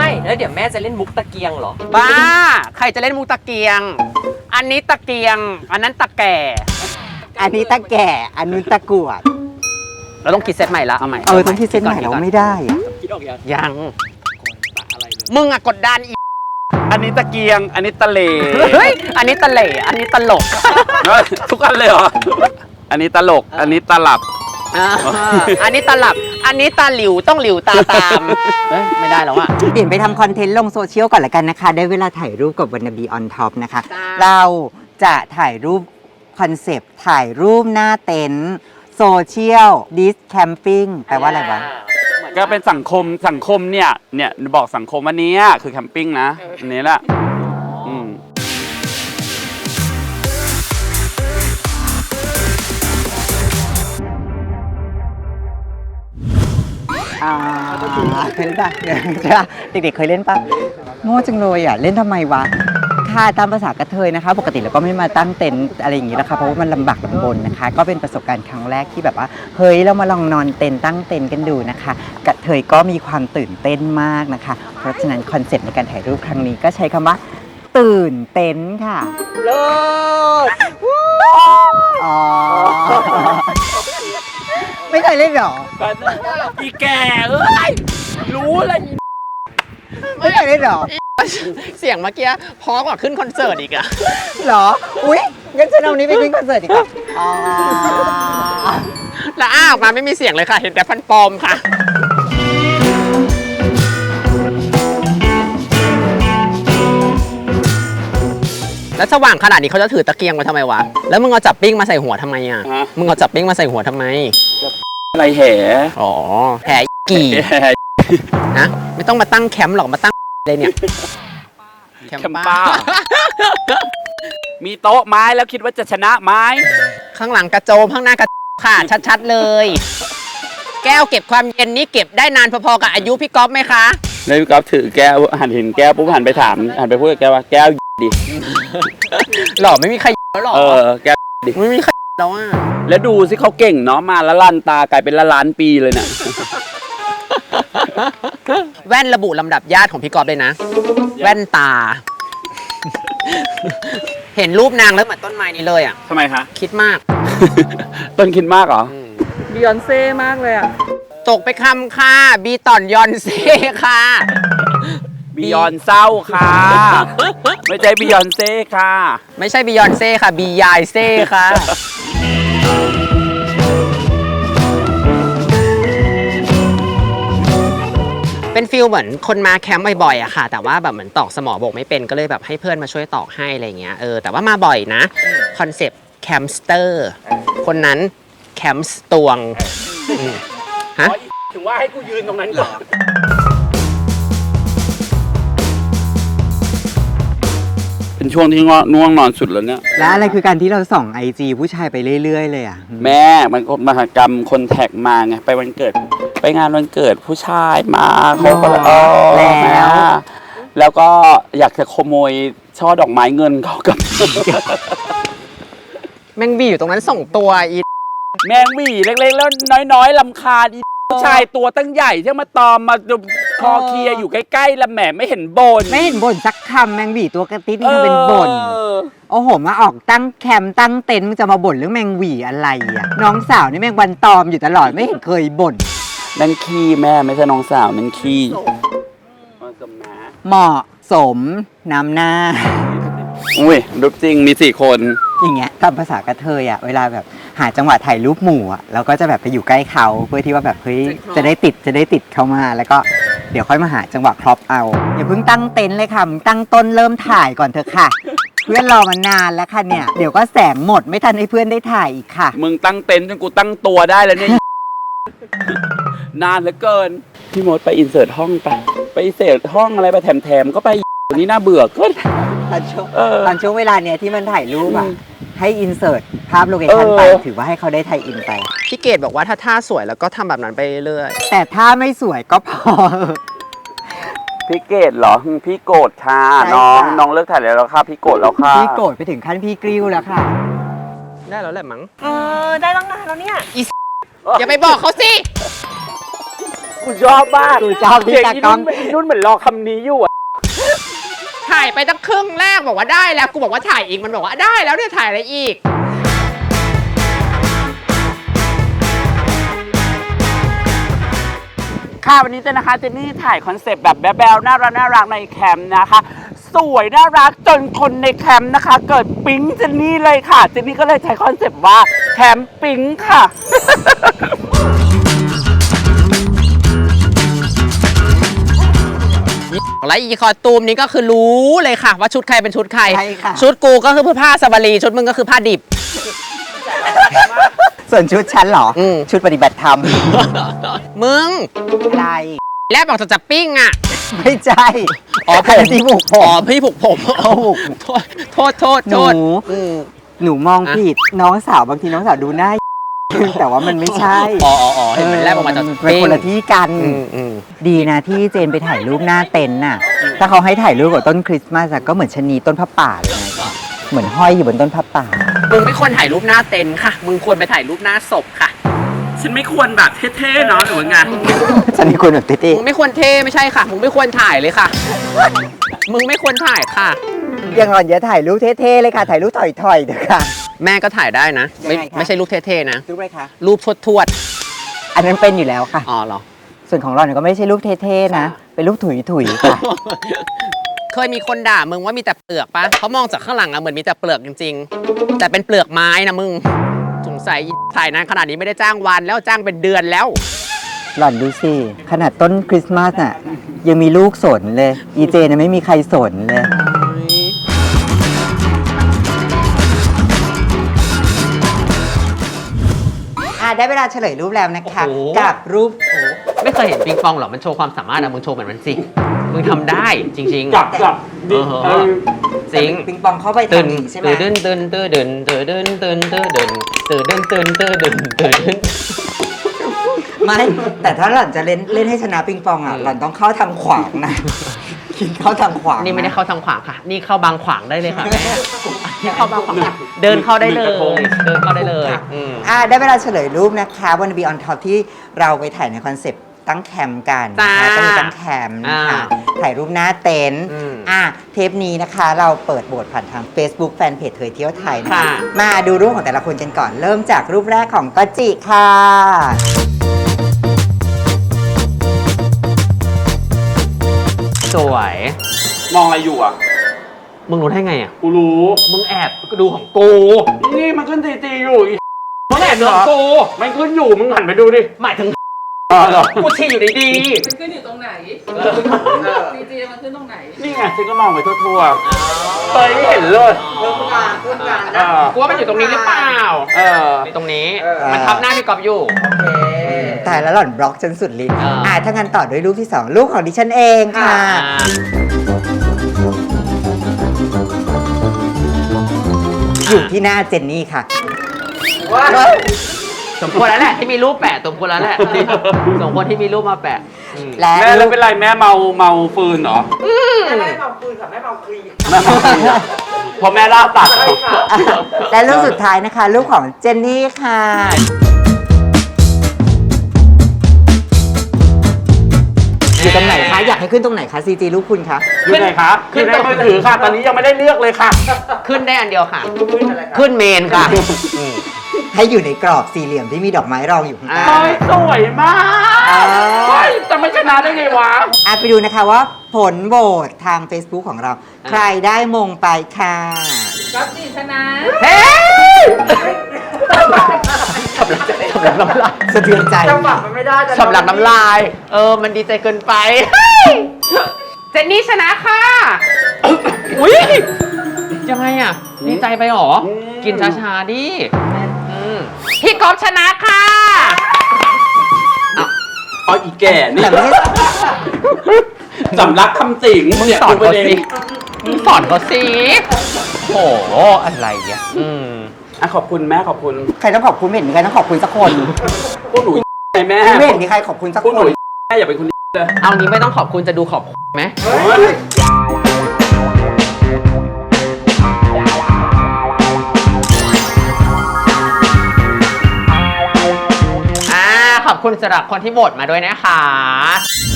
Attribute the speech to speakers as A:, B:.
A: แล้วเดี๋ยวแม่จะเล่นมุกตะเกียงเหรอ
B: บ้าใครจะเล่นมุกตะเกียงอันนี้ตะเกียงอันนั้นตะแก่
C: อันนี้ตะแก่อันนู้นตะกรวด
B: เราต้องคิดเซตใหม่ละเอาใหม่
C: ต้องคิดเซตใหม่เราไม่ได้
A: คิดออก
B: ยังมึงอะกดดันอี
D: อันนี้ตะเกียงอันนี้ตะเหล่
B: เฮ้ยอันนี้ตะเหล่อันนี้ตลก
D: ทุกอันเลยเหรออันนี้ตลกอันนี้ตลับ
B: อันนี้ตลับอันนี้ตาหลิวต้องหลิวตาตามไม่ได้แล้วอะ
C: เปลี่ยนไปทำคอนเทนต์ลงโซเชียลก่อนละกันนะคะได้เวลาถ่ายรูปกับวันนาบีออนท็อปนะคะเราจะถ่ายรูปคอนเซปต์ถ่ายรูปหน้าเต็นท์โซเชียลดิสแคมปิ้งแปลว่าอะไรวะ
D: ก็เป็นสังคมเนี่ยบอกสังคมวันนี้คือแคมปิ้งนะอันนี้แหละ
C: เคยเล่นป่ะเด็กๆเคยเล่นป่ะโง่จังเลยอ่ะเล่นทำไมวะค่ะตามภาษากระเทยนะคะปกติเราก็ไม่มาตั้งเต็นท์อะไรอย่างนี้นะคะเพราะว่ามันลำบากลำบนนะคะก็เป็นประสบการณ์ครั้งแรกที่แบบว่าเฮ้ยเรามาลองนอนเต็นท์ตั้งเต็นท์กันดูนะคะกระเทยก็มีความตื่นเต้นมากนะคะเพราะฉะนั้นคอนเซ็ปต์ในการถ่ายรูปครั้งนี้ก็ใช้คำว่าตื่นเต้นค่ะ
A: เลิศ
C: อ๋อไม่เคยเล่นหรอ
D: อีแก่เอ้ยรู้เลย
C: ไม่เคยเล่นหรอ
B: เสียงเมื่อกี้พอกว่าขึ้นคอนเสิร์ตอีกอะ
C: หรออุ๊ยงั้นฉันเอานี้ไปขึ้นคอนเสิร์ตอีกอ๋อ
B: แล้วออกมาไม่มีเสียงเลยค่ะเห็นแต่ฟันปลอมค่ะแล้วสว่างขนาดนี้เขาจะถือตะเกียงมาทำไมวะแล้วมึงเอาจับปิ้งมาใส่หัวทำไมอ่ะมึงเอาจับปิ้งมาใส่หัวทำไม
D: อะไรแห่
B: อ๋อแห่กี่นะไม่ต้องมาตั้งแคมป์หรอกมาตั้งเลยเนี่ย
D: แคมป้ามีโต๊ะไม้แล้วคิดว่าจะชนะไม้
B: ข้างหลังกระโจมข้างหน้ากระค่ะชัดๆเลยแก้วเก็บความเย็นนี้เก็บได้นานพอๆกับอายุพี่ก๊อฟไหมคะ
D: แล้วพี่ก๊อฟถือแก้วหันเห็นแก้วปุ๊บหันไปถามหันไปพูดกับแก้วว่าแก้วดิ
B: หล่อไม่มีใครแล้วหรอ
D: แก้วดิ
B: ไม่มีใครแล้วอ่ะ
D: แล้วดูสิเขาเก่งเนาะมาละลันตากลายเป็นละล้านปีเลยเนี่ย
B: แว่นระบุลำดับญาติของพี่ก๊อฟเลยนะแว่นตาเห็นรูปนางแล้วเหมือนต้นไม้นี้เลยอ่ะ
D: ทำไมคะ
B: คิดมาก
D: ต้นคิดมากเหรอ
A: บิยอนเซ่มากเลยอ่ะ
B: ตกไปคำค่ะบีตอนยอนเซ่ค่ะ
D: บิยอนเศร้าค่ะไม่ใช่บิยอนเซ่ค่ะ
B: ไม่ใช่บิยอนเซ่ค่ะบียายเซ่ค่ะเป็นฟิลเหมือนคนมาแคมป์บ่อยๆอะค่ะแต่ว่าแบบเหมือนตอกสมอบกไม่เป็นก็เลยแบบให้เพื่อนมาช่วยตอกให้อะไรเงี้ยแต่ว่ามาบ่อยนะคอนเซปต์แคมสเตอร์คนนั้นแคมส์ตวง
D: ฮะถึงว่าให้กูยืนตรงนั้นก่อนเป็นช่วงที่ง่วงนอนสุดแล้วเนี่ย
C: แล้วอะไรคือการที่เราส่อง IG ผู้ชายไปเรื่อยๆเลยอ่ะ
D: แม่มันมหกรรมคนแท็กมาไงไปวันเกิดไปงานวันเกิดผู้ชายมาเขาก็แล้วก็อยากจะขโมยช่อดอกไม้เงินเขากับ
B: แมงบีอยู่ตรงนั้นส่งตัวอี
D: แมงวีเล็กๆแล้วน้อยๆลำคาญผู้ชายตัวตั้งใหญ่ที่มาตอมมาคอเคลียอยู่ใกล้ๆแล้วแหมไม่เห็นบ่น
C: สักคำแมงวีตัวกระติ๊ดนี่ทำเป็นบ่นโอ้โหมาออกตั้งแคมป์ตั้งเต็นท์มึงจะมาบ่นเรื่องแมงวีอะไรอ่ะน้องสาวนี่แมงวันตอมอยู่ตลอดไม่เห็นเคยบ่น
D: นั่นขี้แม่ไม่ใช่น้องสาวนั่นขี้
C: เหมาะสมน้ำหน้า
D: อุ้ยรูปจริงมี4 คน
C: อย่างเงี้ยตามภาษากระเทยอ่ะเวลาแบบหาจังหวะถ่ายรูปหมู่อ่ะเราก็จะแบบไปอยู่ใกล้เขาเพื่อที่ว่าแบบเฮ้ยจะได้ติดเขามาแล้วก็เดี๋ยวค่อยมาหาจังหวะครอปเอาอย่าเพิ่งตั้งเต็นท์เลยค่ะตั้งต้นเริ่มถ่ายก่อนเถอะค่ะเพื่อนรอมานานแล้วค่ะเนี่ยเดี๋ยวก็แสงหมดไม่ทันให้เพื่อนได้ถ่ายอีกค่ะ
D: มึงตั้งเต็นท์จนกูตั้งตัวได้แล้วเนี่ยนานเหลือเกินพี่มดไปอินเสิร์ตห้องไปอินเสิร์ตห้องอะไรไปแถมก็ไปนี่น่าเบื่อก็
C: ตอนช่วงเวลาเนี้ยที่มันถ่ายรูปอ่ะให้อินเสิร์ตภาพโลเคชั่นไปถือว่าให้เขาได้ไทยอินไป
B: พี่เกดบอกว่าถ้าท่าสวยแล้วก็ทำแบบนั้นไปเรื่อย
C: แต่ถ้าไม่สวยก็พอ
D: พี่เกดเหรอพี่โกรธค่ะน้องเลิกถ่ายแล้วค่ะพี่โกรธแล้วค่ะ
C: พี่โกรธไปถึงขั้นพี่กริ้วแล้วค่ะ
B: ได้แล้วแหละมั้ง
A: ได้ตั้งนานแล้วเนี่ย
B: อย่าไปบอกเขาสิ
D: กูชอบมาก
C: กูชอบที่
D: เสียง
C: ตา
D: อี
C: กล้
D: นุ่
C: อง
D: นอีนุ่นเหมือนรอคำนี้อยู่อะ
B: ถ่ายไปตั้งครึ่งแรกบอกว่าได้แล้วกูบอกว่าถ่ายอีกมันบอกว่าได้แล้วเนี่ยถ่ายอะไรอีก
D: ค่ะวันนี้เจนนะคะเจนนี่ถ่ายคอนเซปต์แบบแบ๊วๆน่ารักในแคมป์นะคะ สวยน่ารักจนคนในแคมป์นะคะ เกิดปิ๊งเจนนี่เลยค่ะเจนนี่ก็เลยใช้คอนเซปต์ว่าแคมป์ปิ๊งค่ะ
B: และอีคอตูมนี้ก็คือรู้เลยค่ะ ว่าชุดใครเป็นชุดใคร
C: ใช่ค่ะ
B: ชุดกูก็คือผ้าสบารีชุดมึงก็คือผ้าดิบ
C: ส่วนชุดฉันเหรอ
B: อืม
C: ชุดปฏิบัติธรรม
B: มึง
C: อะไร
B: แลบบอกจะปิ้งอ่ะ
C: ไม่ใช่
B: อ๋อผม
C: นที่ผูกผ
B: อ๋อ
C: ม
B: พี่ผูกผม
C: เขาผูก
B: โทษ
C: หนู
B: อืม
C: หนูมองผิดน้องสาวบางทีน้องสาวดูหน้า แต่ว่ามันไม่ใช่
B: อ๋อเห็นมันแลบออกมาจาก
C: เป็นคนละที่กัน
B: อืม
C: ดีนะที่เจนไปถ่ายรูปหน้าเต็นท์น่ะ ถ้าเขาให้ถ่ายรูปกับต้นคริสต์มาสอะก็เหมือนชะนีต้นผ้าป่าเลยนะเหมือนห้อยอยู่บนต้นผ้าป่า
B: มึงไม่ควรถ่ายรูปหน้าเต็นท์ค่ะ มึงควรไปถ่ายรูปหน้าศพค่ะ
D: ฉันไม่ควรแบบเท่ๆเนาะหรือว่าไง
C: ฉันมีคนแบบเต้
B: มึงไม่ควรเท่ไม่ใช่ค่ะ มึงไม่ควรถ่ายเลยค่ะ มึงไม่ควรถ่ายค่ะ
C: ๆยังอ่อนอย่าถ่ายรูปเท่ๆเลยค่ะ ถ่ายรูปถอยๆเถอะค่ะ
B: แม่ก็ถ่ายได้นะ ไม่
C: ยังไงคะ
B: ไม่ใช่รูปเท่ๆนะ
C: รูปอะไรคะ
B: รูปทวด
C: อันนั้นเป็นอยู่แล้วค่ะ
B: ๆอ๋อเหรอ
C: ส่วนของเราเนี่ยก็ไม่ใช่รูปเท่ๆนะ เป็นรูปถุยๆค่ะ
B: เคยมีคนด่ามึงว่ามีแต่เปลือกปะเขามองจากข้างหลังอะเหมือนมีแต่เปลือกจริงๆ แต่เป็นเปลือกไม้นะมึง สงสัยถ่ายนานขนาดนี้ไม่ได้จ้างวันแล้วจ้างเป็นเดือนแล้ว
C: หล่อนดูสิ ขนาดต้นคริสต์มาสน่ะ ยังมีลูกสนเลย อีเจเนี่ยไม่มีใครสนเลย ได้เวลาเฉลยรูปแล้วนะคะ
B: โอ้โห
C: กับรูป
B: ไม่เคยเห็นปิงปองหรอ มันโชว์ความสามารถนะมึงโชว์เหมือนมันสิ มึงทำได้จริงๆ
D: จับ
B: เออจริง
C: ปิงปองเข้าไป
B: ตื่น
C: ทำอีกใช่ไหม
B: ตื่นตื่นตื่นตื่นตื่นตื่นตื่นตื่นตื่นตื่นตื่นตื่นตื่นตื่น
C: ไม่ แต่ถ้าหล่อนจะเล่นให้ชนะปิงปองอ่ะ หล่อนต้องเข้าทางขวางนะ คิดเข้าทางขวาง
B: นี่ไม่ได้เข้าทางขวางค่ะ นี่เข้าบางขวางได้เลยค่ะแม่นี่เข้าบางขวางเดินเข้าได้เลย เดินเข้าได้เลยอืม
C: ได้เวลาเฉลยรูปนะคะวันบีออนท็อปที่เราไปถ่ายในคอนเซปต์ตั้งแคมป์กันนะคะ
B: จ้า
C: ก็มีตั้งแคมป์นะคะ
B: อ่า
C: ถ่ายรูปหน้าเต็นท์
B: อืม
C: เทปนี้นะคะเราเปิดโหวตผ่านทาง Facebook แฟนเพจเธอเที่ยวไทยนะคะ
B: ค่ะ
C: มาดูรูปของแต่ละคนกันก่อน เริ่มจากรูปแรกของก็จิค่ะ
B: สวย
D: มองอะไรอยู่อ่ะ
B: มึงรู้ได้ไงอ่ะ
D: กูรู้
B: มึงแอบดูของกู
D: นี่มันขึ้นตีๆอยู่อี
B: มึงแอบดูของกู
D: มันขึ้นอยู่มึงหันไปดูดิ
B: หมายถึง
D: เหรอ
B: กูชี้อยู่ดี
E: มันขึ้นอยู่ตรงไหนดีเจมันขึ้นตรงไหน
D: นี่ไงฉันก็มองไปทั่วๆเฮ้ยไม่เห็นเลย
C: เพิ่มการเพิ่มการ
D: เอ
C: นะ
D: อ
B: ๆกูว่ามันอยู่ตรงนี้หรือเปล่า
D: เออ
B: ตรงนี้ มันทับหน้าพี่กอบอยู่
C: ตายแล้วหล่อนบล็อกจนสุดฤทธิ์
B: อ่า
C: ถ้างั้นต่อด้วยรูปที่ 2 รูปของดิฉันเองค่ะ อยู่ที่หน้าเจนนี่ค่ะ
B: สมควรแล้วแหละที่มีรูปแปะสมควรแล้วแหละสมควรที่มีรูปมาแปะอืม
C: และ
D: แม่แล้
C: รู
D: ว
C: ป
D: เป็นไรแม่เมาฟืนเหรอ
C: แม่เมาปืนค่ะแม่เมาครี
D: แม่เมาฟืนพอแม่ล่าตัด
C: และรูปสุดท้ายนะคะ รูปของเจนนี่ค่ะ อยู่ตรงไหนคะ อยากให้ขึ้นตรงไหนคะซีจีรูปคุณคะ
D: อยู่ไหนคะอยู่ในมือถือค่ะ ตอนนี้ยังไม่ได้เลือกเลยค่ะ
B: ขึ้นได้อันเดียวค่ะ ขึ้นเมนค่ะอืม
C: ให้อยู่ในกรอบสี่เหลี่ยมที่มีดอกไม้รองอยู่ข้างใต้
D: เฮ้ยสวยมาก
C: อ๋อ
D: เฮ้ยจะไม่ชนะได้ไงวะ
C: ไปดูนะคะว่าผลโหวตทาง Facebook ของเรา ใครได้มงไปค่ะ
E: ก็จีชนะ
B: เฮ้ยสำลักน้ำลาย
C: สะเทือนใจ
B: สำลักน้ำลาย มันดีใจเกินไป เจนนี่ชนะค่ะ อุ้ยยังไงอ่ะ ดีใจไปหรอ กินช้าๆดิพี่กอฟชนะค่ะ
D: เอาอีแก่นี่
C: แต่ไม่ใช่
D: สำลักคำสิง
B: มึง
D: เนี่ย
B: สอน
D: ดูป
B: เขา
D: ระเด็น
B: สิมึงสอนเขาสิโห อะไรอ่ะ
D: ขอบคุณแม่ขอบคุณ
C: ใครต้องขอบคุณไม่เห็นมีใครต้องขอบคุณสักคน
D: พวกหนูไงแม่
C: ไม่เห็นมีใครขอบคุณสัก
D: พวก
C: ค
D: หนู
C: น
D: แม่อย่าเป็นคนเลย
B: เอางี้ไม่ต้องขอบคุณจะดูขอบไหมขอบอบคุณสำหรับคนที่โหวตมาด้วยนะคะ